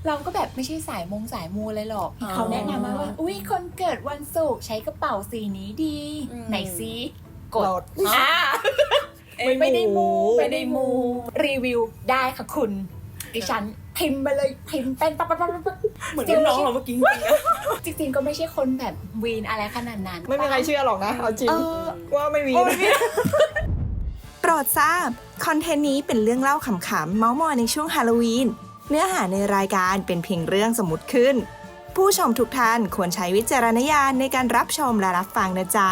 เราก็แบบไม่ใช่สายมูเลยหรอกเขาแนะนำมาว่าอุ้ยคนเกิดวันศุกร์ใช้กระเป๋าสีนี้ดี ไหนซิกดไม่ได้มูรีวิวได้ค่ะคุณดิฉันพิมพ์มาเลยพิมพ์เป็นปั๊บเหมือนน้องเราเมื่อกี้จริงจริงๆก็ไม่ใช่คนแบบวีนอะไรขนาดนั้นไม่มีใครเชื่อหรอกนะเอาจริงว่าไม่มีโปรดทราบคอนเทนต์นี้เป็นเรื่องเล่าขำๆเม้าท์มอยในช่วงฮาโลวีนเนื้อหาในรายการเป็นเพียงเรื่องสมมุติขึ้น ผู้ชมทุกท่านควรใช้วิจารณญาณในการรับชมและรับฟังนะจ๊ะ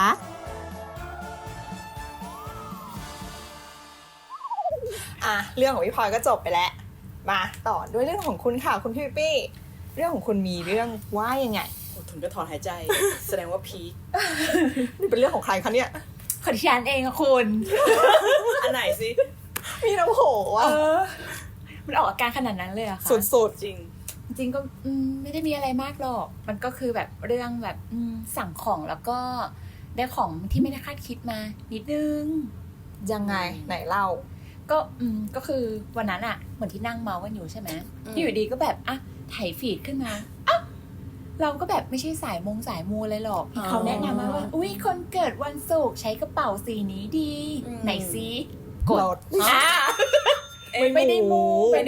เรื่องของพี่พลอยก็จบไปแล้วมาต่อด้วยเรื่องของคุณค่ะคุณพี่ปี้เรื่องของคุณมีเรื่องว่ายังไงถึงก็ถอนหายใจ แสดงว่าพีคนี่เป็นเรื่องของใครคะเนี่ยขอดิฉันเองอะคุณอันไหนสิมีน้ำโหว่ะมันออกอาการขนาดนั้นเลยอะค่ะสุดจริงจริงก็ไม่ได้มีอะไรมากหรอกมันก็คือแบบเรื่องแบบสั่งของแล้วก็ได้ของที่ไม่ได้คาดคิดมานิดนึงๆยังไงไหนเล่าก็คือวันนั้นอะเหมือนที่นั่งเมาส์กันอยู่ใช่ไหมอยู่ดีก็แบบอะถ่ายฟีดขึ้นมาเราก็แบบไม่ใช่สายมูเลยหรอกเขาแนะนำมาว่าอุ้ยคนเกิดวันศุกร์ใช้กระเป๋าสีนี้ดี ไหนซิกดไม่ได้มู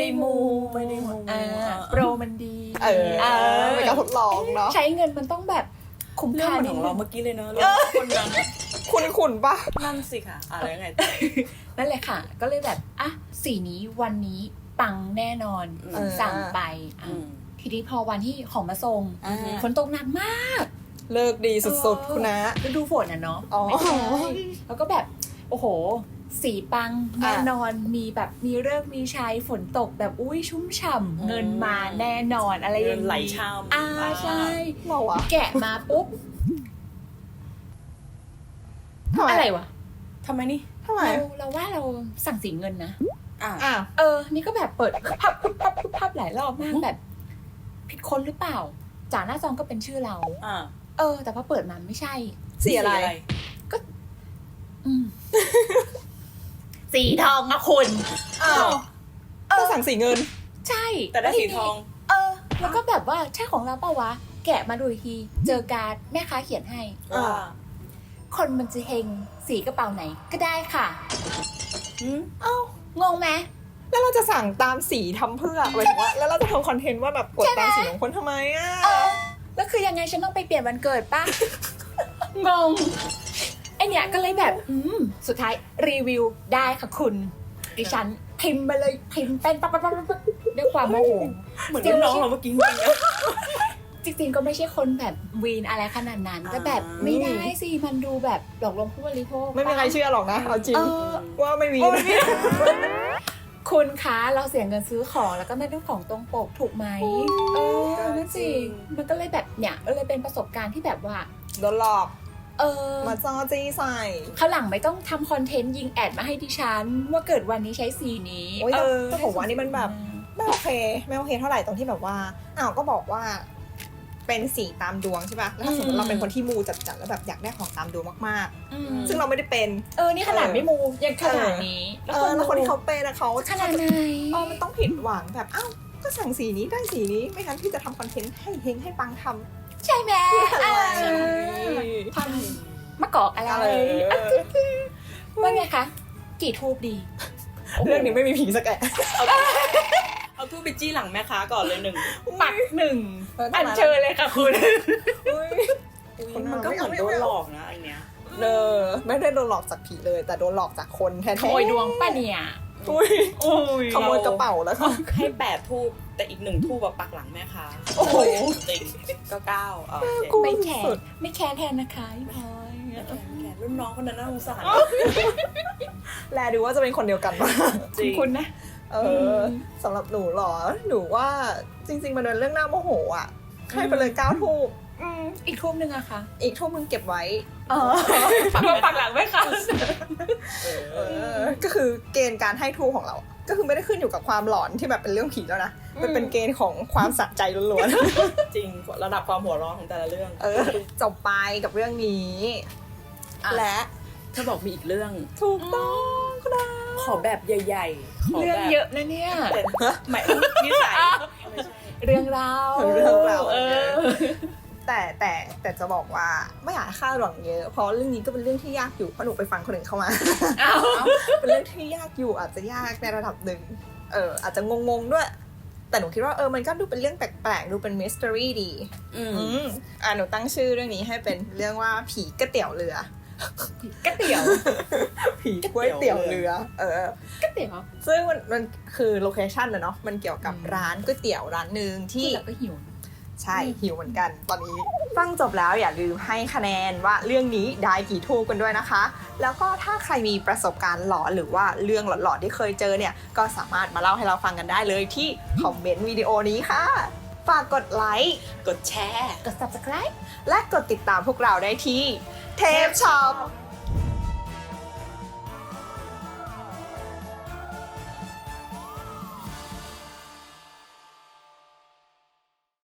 โปรมันดีเป็นการทดลองเนาะใช้เงินมันต้องแบบคุ้มเรื่องค่าเหมือนของเราเมื่อกี้เลยเนอะเรื่องคนนั้นคุณปะนั่นสิค่ะอะไรยังไงนั่นแหละค่ะ ก็เลยแบบสีนี้วันนี้ปังแน่นอนสั่งไปทีนี้พอวันที่ของมาส่งฝนตกหนักมากเลิกดีสุดๆคุณนะฤดูฝนอ่ะเนาะอ๋อไม่ใช่แล้วก็แบบโอ้โหสีปังแน่นอนมีแบบมีเลิกษ์มีชัยฝนตกแบบอุ้ยชุ่มฉ่ำเงินมาแน่นอนอะไรอย่างไหลนี้ชามใช่เราอะแกะมาปุ๊บอะไรวะทำไมนี่ทำไมเราว่าเราสั่งสีเงินนะอ่ะนี่ก็แบบเปิดพับหลายรอบมากแบบ ผิดคนหรือเปล่าจากหน้าซองก็เป็นชื่อเราแต่พอเปิดมาไม่ใช่สีอะไรสีทองอะคุณก็สั่งสีเงินใช่แต่ได้สีทองแล้วก็แบบว่าใช่ของเราเปล่าวะแกะมาดูอีกทีเจอการ์ดแม่ค้าเขียนให้ คนมันจะเฮงสีกระเป๋าไหนก็ได้ค่ะงงไหมแล้วเราจะสั่งตามสีทำเพื่อหมายถึงว่าแล้วเราจะทำคอนเทนต์ว่าแบบกดตามสีของคนทำไมอ่ะแล้วคือยังไงฉันต้องไปเปลี่ยนวันเกิดป่ะ งงไอเนี้ยก็เลยแบบสุดท้ายรีวิวได้ค่ะคุณดิฉันพิมพ์มาเลยพิมพ์เป็นปั๊บด้วยความโมโหเหมือนน้องเราเมื่อกี้จริงจริงๆก็ไม่ใช่คนแบบวีนอะไรขนาดนั้นแต่แบบไม่ได้สิมันดูแบบหลอกลวงผู้บริโภคไม่มีใครเชื่อหรอกนะเอาจริงว่าไม่มีคุณคะเราเสียเงินซื้อของแล้วก็ไม่ได้ของตรงปกถูกไหมนั่นสิมันก็เลยแบบเนี่ยเลยเป็นประสบการณ์ที่แบบว่าโดนหลอก มาจ้อจี้ใส่ข้างหลังไม่ต้องทำคอนเทนต์ยิงแอดมาให้ดิฉันว่าเกิดวันนี้ใช้สีนี้แต่ผมว่านี่มันแบบไม่โอเคเท่าไหร่ตรงที่แบบว่าก็บอกว่าเป็นสีตามดวงใช่ป่ะแล้วถ้าสมมติเราเป็นคนที่มูจัดๆแล้วแบบอยากได้ของตามดวงมากๆซึ่งเราไม่ได้เป็นนี่ขนาดไม่มูยังขนาดนี้แล้วคนที่เขาเป็นนะเขาขนาดไหนมันต้องผิดหวังแบบก็สั่งสีนี้ได้สีนี้ไม่งั้นพี่จะทำคอนเทนต์ให้เฮงให้ปังทำใช่ไหมทำมะกอกอะไรว่าไงคะกี่ทูบดีเรื่องนี้ไม่มีผีสักแอะเอาทูบไปจี้หลังแม่ค้าก่อนเลยปัก1อันเชิญเลยค่ะคุณมันก็เหมือนโดนหลอกนะอันเนี้ยไม่ได้โดนหลอกจากผีเลยแต่โดนหลอกจากคนแท้ๆขโมยดวงป่ะเนี่ยขโมยกระเป๋าแล้วค่ะให้8ทูบแต่อีก1ทูบแบบปักหลังแม่ค้าจริงก็9 ไม่แคร์แทนนะคะพี่พลอยรุ่นน้องคนนั้นน่าสงสารแลดูว่าจะเป็นคนเดียวกันป่ะคุณนะสำหรับหนูหรอหนูว่าจริงๆมันเป็นเรื่องน่าโมโหอ่ะให้ไปเลย9ทูบอีกทูบนึงอะคะอีกทูบนึงเก็บไว้ปักหลังไว้ค่ะก็คือเกณฑ์การให้ทูบของเราก็คือไม่ได้ขึ้นอยู่กับความหลอนที่แบบเป็นเรื่องผีแล้วนะมันเป็นเกณฑ์ของความสะใจล้วนๆจริงระดับความหัวร้อนของแต่ละเรื่องจบไปกับเรื่องนี้และเธอบอกมีอีกเรื่องถูกต้องครับขอแบบใหญ่ๆเรื่องเยอะนะเนี่ยหมายนิสัยเรื่องราวเรื่องราวเออแต่จะบอกว่าไม่อยากให้คาดหวังเยอะเพราะเรื่องนี้ก็เป็นเรื่องที่ยากอยู่เพราะหนูไปฟังคนอื่นเข้ามาอ้าวเป็นเรื่องที่ยากอยู่อาจจะยากในระดับหนึ่งอาจจะงงๆด้วย แต่หนูคิดว่ามันก็ดูเป็นเรื่องแปลกๆดูเป็นมิส t ต r รีดี หนูตั้งชื่อเรื่องนี้ให้เป็นเรื่องว่าผีก๋วยเตี๋ยวเรือก๋วยเตี๋ยวผีก๋วยเตี๋ยวเรือก๋วยเตี๋ยวซึ่งมันคือโลเคชั่นนะเนาะมันเกี่ยวกับร้านก๋วยเตี๋ยวร้านหนึ่งที่ที่เราก็หิวใช่หิวเหมือนกันตอนนี้ฟังจบแล้วอย่าลืมให้คะแนนว่าเรื่องนี้ได้กี่ทูบกันด้วยนะคะ แล้วก็ถ้าใครมีประสบการณ์หลอนหรือว่าเรื่องหลอนๆที่เคยเจอเนี่ยก็สามารถมาเล่าให้เราฟังกันได้เลยที่คอมเมนต์วิดีโอนี้ค่ะฝากกดไลค์กดแชร์กด subscribe และกดติดตามพวกเราได้ที่เทปช็อป